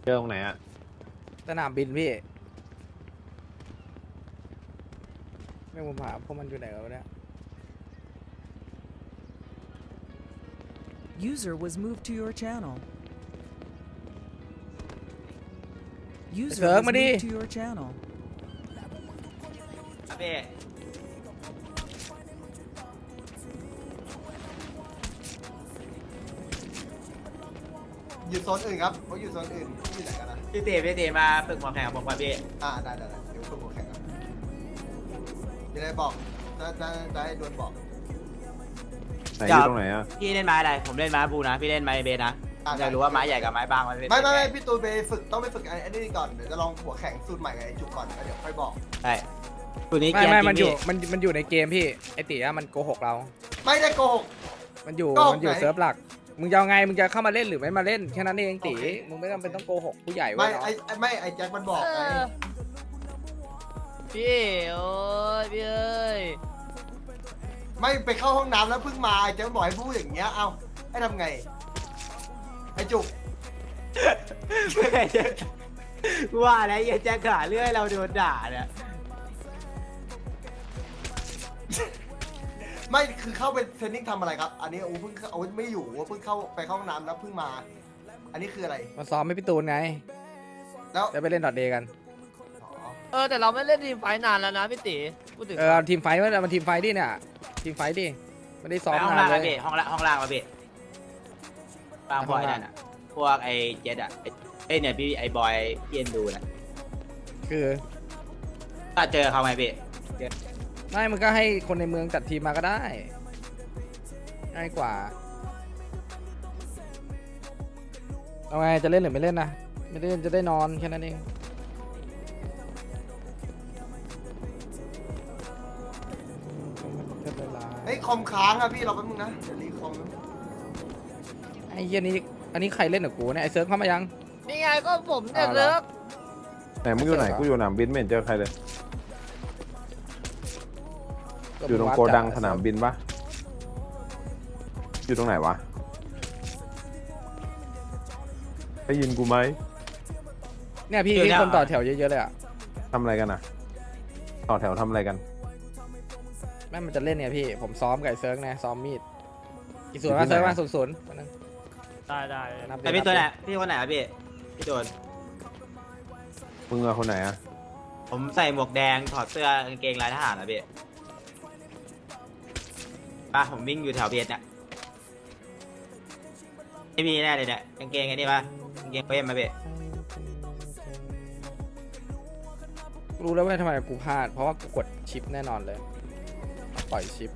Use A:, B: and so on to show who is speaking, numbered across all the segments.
A: เจอตรงไหนอ่ะ
B: สนามบินพี่ไม่ผมหาพวกมันอยู่ไหนกันวะเนี่ย
C: User was moved to your channel. User
B: Sir,
C: was
B: Madi.
C: moved to your channel.
D: ครับพี่
E: อยู่โซนอื่นครับเขาอยู่โซนอื่นที่ไหนกันนะ
D: พี่เต๋มาฝึกหมอแข่งกับผมก่อนพี่
E: ได้เดี๋ยวคุณโมแข่งกันจะได้บอกจะให้ดวลบอก
A: ไหนอยู่ตรงไหนอ่ะ
D: พี่เล่นไม้อะไรผมเล่นไม้บูนะพี่เล่นไม้เบสนะอยากรู้ว่าไม้ใหญ่กับไม้บางมันเป็น
E: ไม่พี่ตูนไปฝึกต้องไปฝึกไอ้นี่ก่อนเดี๋ยวจะลองหัวแข่งสูตรใหม่กับไอ้จุกก่อนแล้วเดี๋ยวค่อยบอก
D: ใช่ตัวนี้
B: ไม่
D: เกียร์
B: ไม่
D: จริง
B: มันอยู่
D: พี่
B: มันอยู่ในเกมพี่ไอตีอะมันโกหกเรา
E: ไม่ได้โกหก
B: มันอยู่
E: โกหก
B: มันอยู่
E: ไหน
B: เซิร์ฟหลักมึงจะเอาไงมึงจะเข้ามาเล่นหรือไม่มาเล่นแค่นั้นเองตี
E: โอเค
B: มึงไม่จำเป็นต้องโกหกผู้ใหญ่
E: ไม่
B: เว้ยเนาะ
E: ไอ้แจ็คมันบอกไง
F: พี่โอ้ยพี่เอ้ย
E: ไม่ไปเข้าห้องน้ำแล้วเพิ่งมาไอ้แจ็คบอกให้พูดอย่างเงี้ยเอาให้ทำไงไอ้จุก
D: ว่าแล้วไอ้แจ็คขาเรื่อยเราโดนด่าเนี่ย
E: ไม่คือเข้าไปเทรนนิ่งทำอะไรครับ อันนี้โอ้เพิ่งเอาไม่อยู่เพิ่งเข้าไปเข้าห้องน้ำแล้วเพิ่งมา อันนี้คืออะไร
B: มาซ้อมไม่พี่ตูนไง
E: แล้ว
B: จะไปเล่นดอทเดย์กัน
F: แต่เราไม่เล่นทีมไฟท์นานแล้วนะพี่ตีพูดถึง
B: เอาทีมไฟท์ว่ามันทีมไฟท์ดิเนี่ยทีมไฟท์ดิไม่ได้ซ้อม
D: ห้อง
B: นา
D: ล่าน ง
B: เล
D: มาย พี่ห้องล่างมาพี่บางพวกไอ้นั่นอ่ะพวกไอ้เจ็ดอ่ะไอ้เนี่ยพี่ไอ้บอยพี่เอ็นดูนะ
B: คือ
D: ก็เจอเขาไหมพี่
B: ไม่มึงก็ให้คนในเมืองจัดทีมมาก็ได้ง่ายกว่าเอาไงจะเล่นหรือไม่เล่นนะไม่เล่นจะได้นอนแค่นั้นเอง
E: เฮ้ยคอมค้างอะพี่เราแป๊บนึงนะเดี๋ยวรีคอม
B: ไอ้เหี้ยนี้อันนี้ใครเล่นกับกูเนี่ยไอ้เซิร์ฟเข้ามายัง
F: นี่ไงก็ผมเนี่ย
B: เอาเหรอ
F: เลิก
A: ไหนมึงอยู่ไหนกูอยู่สนามบินไม่เห็นเจอใครเลย อยู่ตรงโกดังสนามบินปะอยู่ตรงไหนวะได้ยินกูไหม
B: เนี่ยพี่ที่คนต่อแถวเยอะๆเลยอ่ะ
A: ทำอะไรกันอ่ะต่อแถวทำอะไรกัน
B: แม่งมันจะเล่นเนี่ยพี่ผมซ้อมกับไอ้เซิร์ฟไงซ้อมมีดกี่ส่วนมาเซิร์ฟมาศูนย์นับ
F: ได้
B: นับ
D: ไอ้พี่ตัวไหนพี่คนไหนอะพี่โดน
A: มึงเอาคนไหนอ่ะ
D: ผมใส่หมวกแดงถอดเสื้อกางเกงลายทหารนะพี่ป่ะผมวิ่งอยู่แถวเบียดเนี่ยไม่มีแน่เลยเนี่ยกางเกงไอ้นี่ป่ะกางเกงเพิ่มมาพี่
B: รู้แล้วว่าทำไมกูพลาดเพราะว่ากูกดชิปแน่นอนเลยปล่อยชิป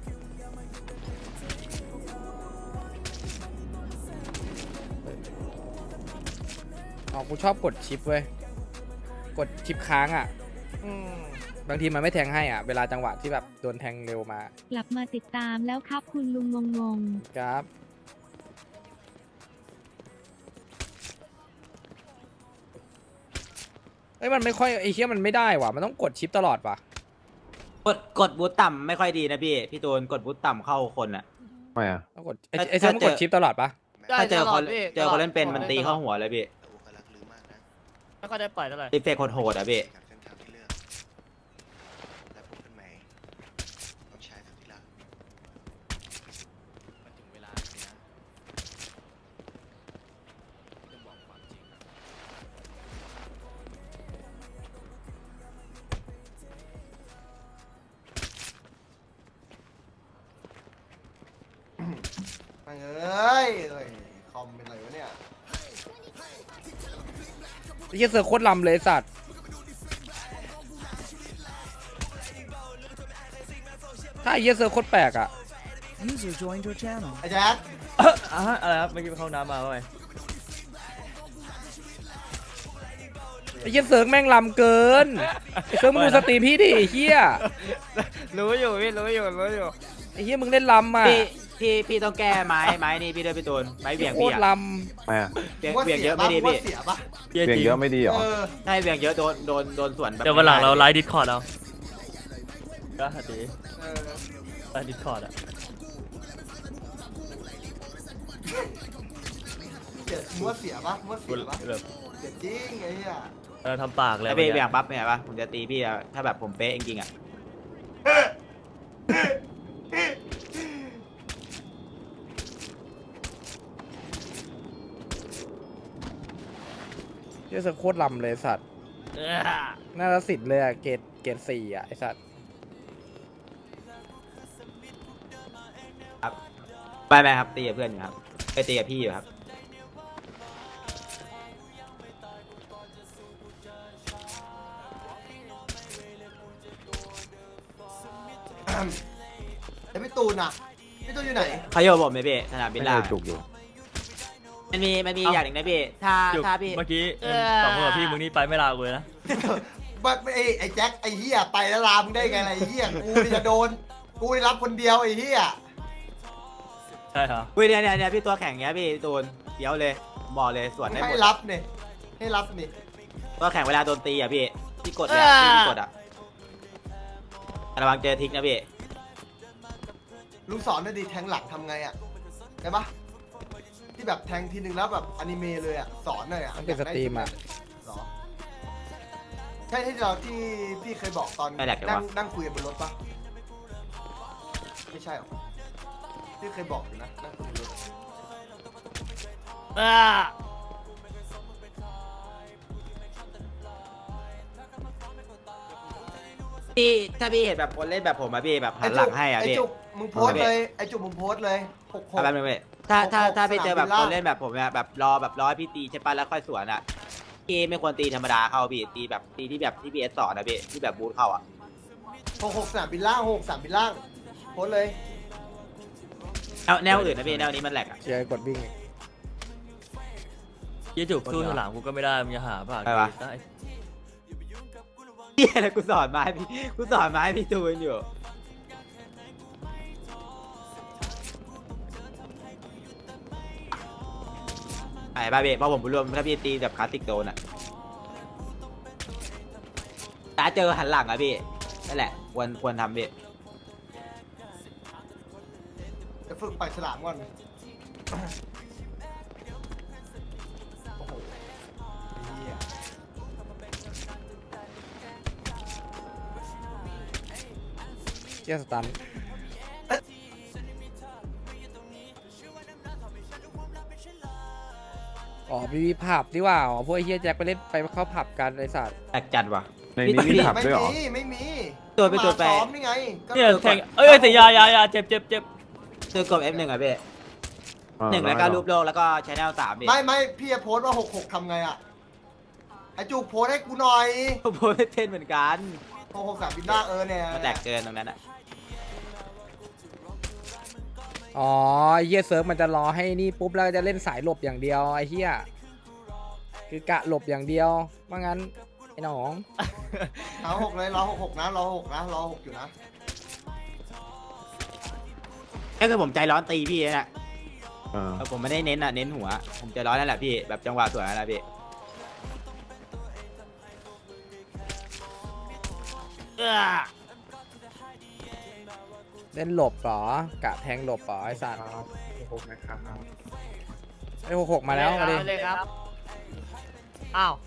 B: อ๋อกูชอบกดชิปเว้ยกดชิปค้างอ่ะบางทีมันไม่แทงให้อ่ะเวลาจังหวะที่แบบโดนแทงเร็วมาก
G: ลับมาติดตามแล้วครับคุณลุงงง
B: ครับเอ้ยมันไม่ค่อยไอ้เหี้ยมันไม่ได้ว่ะมันต้องกดชิปตลอดว่ะ
D: กดบูทต่ำไม่ค่อยดีนะพี่ตูนกดบูทต่ำเข้าคนอ่ะ
A: ไม่อ่ะ
B: ต้องกดไอ้เซิร์ฟมันกดชิปตลอดปะ
D: ถ้าเจอคน
F: พี่
D: เล่นเป็นมันตีเข้าหัวเลยพี่
F: ไม่ค่อยได้ปล่อยเท่าไหร่
D: ตีเฟกโหดๆอ่ะพี่
E: เอ้ยคอมเป็นไรวะเนี่ย
B: ไอ้เหี้ยเซิร์ฟโคตรลำเลยไอ้สัตว์ถ้าไอ้เหี้ยเซิร์ฟโคตรแปลกอ่ะ
C: User joined your channel.
E: ไอ้แจ็ค
F: อะไรครับเมื่อกี้ไปเข้าน้ำมาไง
B: ไอ้เหี้ยเซิร์ฟแม่งลำเกินไอ้เซิร์ฟมึงดูสตรีมพี่ดิไอ้เหี้ย
F: รู้อยู่พี่รู้อยู่
B: ไอ้เหี้ยมึงเล่นลำอ่ะ
D: พี่ต้องแก้ไม้นี่พี่ด้วยพี่ตูนไม้เบี่ยง
B: โค
D: พี่
B: ตร
D: อะ
B: ล
A: ไม่อ่ะ
D: เบี่ยงเยอะไม่ดี
E: ว่า
D: พี่
E: เสียปะ
A: เบี่ยงเยอะไม่ดีเหรอ
D: ใช่เบี่ยงเยอะโดนสวนแบบ
F: เดี๋ยววันหลังเราไลฟ์ดิสคอร์ดเอาก็ดี
E: เออ
F: ไลฟ์ดิสคอร์ดอ่ะ
E: เสียมัวเสียปะมัวเสียปะ
H: แบบ
E: เสียจริงไอ้เหี้ย
H: ทำปากเลย
D: แล้วพี่อย่างปั๊บเนี่ยปะผมจะตีพี่อะถ้าแบบผมเป๊ะจริงๆอ่ะ
B: เหี้ยเซิร์ฟโคตรลำเลยไอ้สัตว์น่าจะสิทธิ์เลยอะเกรดสี่อะไอสัตว์
D: ไม่ครับตีกับเพื่อนอยู่ครับไปตีกับพี่อยู่ครับ
E: แล้วพี่ตูนอ่ะพี่ตูนอยู่ไหน
D: เขาโยนผมไหมพี่สนามบิน
A: ไม่
D: ล่า
A: ได้จุกอยู่
D: มันมีอย่างหนึ่งนะพี่
H: จุก
D: ถ้าพี่
H: เมื่อกี้สองคนกับพี่มึงนี่ไปไม่ลากูเลยนะ
E: ไอ้แจ็คไอ้เหี้ยไปแล้วลามึงได้ไงล่ะไอ้เหี้ยกูนี่จะโดนกูได้รับคนเดียวไอ้เหี้ย
H: ใช่ครับ
D: อุ้ยเนี่ยพี่ตัวแข่งเงี้ยพี่ตูนเดี๋ยวเลยบอกเลยสวนได้หม
E: ให้
D: ด
E: รับเนี่ยให้รับนี่
D: ตัวแข่งเวลาโดนตีอ่ะพี่ที่กดเลยที่กดอ่ะระวังเจอทิกนะพี่
E: ลุงสอนหน่อยดิแทงหลังทำไงอ่ะได้ปะที่แบบแทงทีนึงแล้วแบบอนิเมะเลยอ่ะสอนหน่อยอ่ะ
B: มันเป็นสตรีมอะ
E: หรอใช่ที่เราที่พี่เคยบอกตอนนั่งคุยกันบนรถปะไม่ใช่หรอที่เคยบอกอยู่นะนั่งคุยบนรถ
D: พี่ถ้าพี่เห็นแบบคนเล่นแบบผมอะพี่แบบหันหลังให้อ่ะ
E: ไอ้
D: พี่
E: จุกมึงโพสต์เลยไอ้จุกมึงโพสต์เลยหก
D: เอาแป๊บนึงพี่ถ้าพี่เจอแบบ
E: สนามบินล่า
D: คนเล่นแบบผมเนี่ยแบบรอให้พี่ตีใช่ปะแล้วค่อยสวนอ่ะพี่ไม่ควรตีธรรมดาเข้าพี่ตีแบบตีที่แบบที่พี่เอสสอนนะพี่ที่แบบบูทเข้าอ่ะ
E: หกสนามบินล่าง6 สนามบินล่างโพสต์เลย
D: เอาแนวอื่นนะพี่แนวนี้มันแหลกอ่ะ
B: เชียร์กดวิ่งอีก
H: ยี่จุกสู้หลังกูก็ไม่ได้มึงจะหาปากได้
D: พี่อะไรกูสอนมาให้พี่กูสอนมาให้พี่ตูนอยู่ไอ้บ้าเบะพอผมรวมถ้าพี่ตีแบบคลาสสิกโดนอ่ะถ้าเจอหันหลังอ่ะพี่นั่นแหละควรทำพี่
E: จะฝึกปากฉลามก่อนโอ้โหเหี้ย
B: เชียร์สตันอ๋อมีผับดีกว่าอ๋อพวกไอ้เฮียแจ็คไปเล่นไปเข้าผับกันไอสัตว์
D: แตกจัดว่ะ
A: ในนี้มีผับ
E: ไม่
A: ด้วยเหรอ
E: มีไม่มี
D: ตัวไปตัวไป
E: มาซ้อมนี่ไงก็
H: เนี่ยแทงเอ้ยแต่ยาเจ็บ
D: ซื้อกด F1 อ่ะพี่หนึ่งแล้วก็รูปโลกแล้วก็ชแนล3พี่
E: ไม่พี่จะโพสต์ว่า66ทำไงอ่ะไอ้จุกโพสต์ให้กูหน่อย
D: ผมโพสไม่เป็นเหมือนกัน
E: 66สนามบินล่างเนี่ย
D: มันแตกเกินตรงนั้นอ่ะ
B: อ๋อไอ้เฮียเซิร์ฟมันจะรอให้นี่ปุ๊บแล้วจะเล่นสายหลบอย่างเดียวไอ้เฮียคือกะหลบอย่างเดียวว่างั้นไอ้น้อง
E: เอา6เลยรอ66นะรอ6นะรอ6อยู่นะ
D: ก็คือผมใจร้อนตีพี่นะ
A: อ่า
D: ผมไม่ได้เน้นอ่ะเน้นหัวผมใจร้อนนั่นแหละพี่แบบจังหวะสวยนั่นแหละพี่
B: เล่นหลบเหรอกะแทงหลบเหรอไอ้สัตว์ไอ้66มาแล้วมาดิ
F: เลยครับอ้าว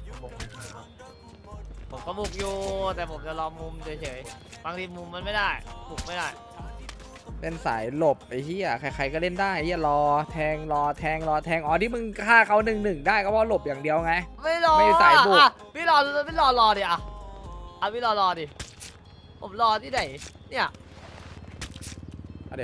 F: ผมก็บุกอยู่แต่ผมจะรอมุมเฉยๆบางทีมุมมันไม่ได้บุกไม่ได้
B: เล่นสายหลบไอ้เหี้ยใครๆก็เล่นได้ไอ้เหี้ยรอแทงอ๋อที่มึงฆ่าเขา1-1ได้ก็เพราะหลบอย่างเดียวไง
F: ไม่รอ
B: ไม่สายบุก
F: อ่ะพี่รอดิอ่ะพี่รอดิผมรอที่ไหนเนี่ย
B: เอาดิ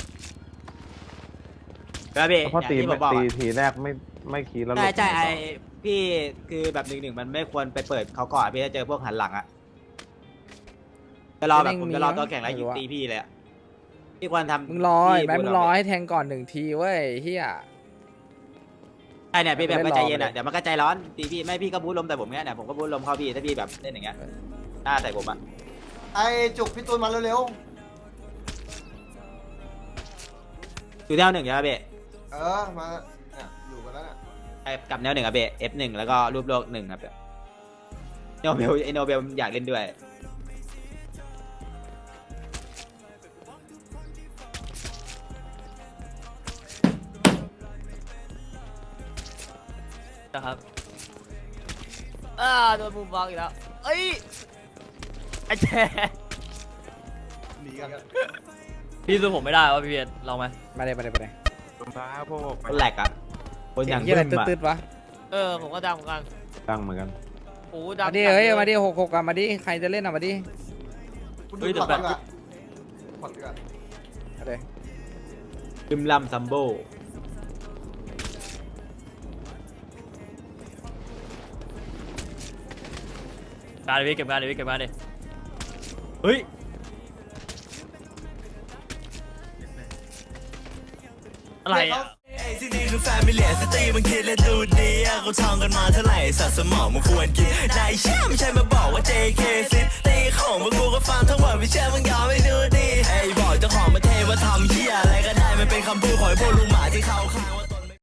D: แล้วพี่
A: เพราะ
D: อย่าง
A: ตี
D: ที่ผมบอก
A: ตี
D: อะ
A: ทีแรกไม่คีดแล้วหลบ
D: ใช่ไอพี่คือแบบ1-1มันไม่ควรไปเปิดเขาก่อนพี่จะเจอพวกหันหลังอ่ะจะรอแบบผมจะรอตัวแข่งแล้วยิงตีพี่เลยอ่ะพี่ควรทำ
B: มึงรอ
D: ที่
B: ไหมมึงรอให้แทงก่อน1 ทีเว้ยเหี้ย
D: ใช่เนี่ยพี่แบบ
B: ไม่
D: ไม่
B: ได้
D: ใจ
B: รอ
D: เย็นอ่ะ
B: เลย
D: เดี๋ยวมันก็ใจร้อนตีพี่ไม่พี่ก็บู๊ลมแต่ผมเนี้ยเนี่ยผมก็บู๊ลมเข้าพี่ถ้าพี่แบบเล่นอย่างเงี้ยหน้าใส่ผมอ่ะ
E: ไอ้จุกพี่ตูนมาเร็ว
D: อยู่แนวหนึ่งใช่ไหมพี่
E: มาเนี่ยอยู่กันแล้วน่ะ
D: ไอ้กับแนวหนึ่งอะพี่ F1 แล้วก็รูปโลก1ครับโนเบลไอโนเบลอยากเล่นด้วย
H: นะครับ
F: โดนมุมบอลอีกแล้วเอ้ยไอ้แจ๊
E: หนีกัน
H: พี่สู้ผมไม่ได้วะพี่เบียร์ลองไหม
B: มาเลย
A: รองเท้าพวก
D: คนแหลกอ่ะคนอย่าง
B: เหี้ยอะไร
D: บึ้มอะ
B: ตืดๆวะ
F: ผมก็ดังเหมือนกัน
A: ตั้งเหมือนกัน
F: โอ้ดัง
B: มาดิเฮ้ยมาดิ6-6กันมาดิใครจะเล่นอ่ะมาดิ
E: คุณดูก่อนดีกว่าผ่อนดีกว่า
B: มาเลย
D: บึมลำซัมโบ
H: การดิพี่เก็บงานดิพี่เก็บงานดิเฮ้ยอะไรอ่ะ
I: ที่นี่คือแฟมิเลียสตรีมันคิดและดูดีเขาท่องกันมาเท่าไหร่สัตว์สมองมันควรกินนายเชื่อไม่ใช่มาบอกว่า JK ซิตีของพวกกูก็ฟังทั้งหมดไม่เชื่อมึงยอมไม่ดูดีไอ้บอกเจ้าของประเทศว่าทำเหี้ยอะไรก็ได้มันเป็นคำพูดของไอ้พวกลุงหมาที่เขาข้างว่า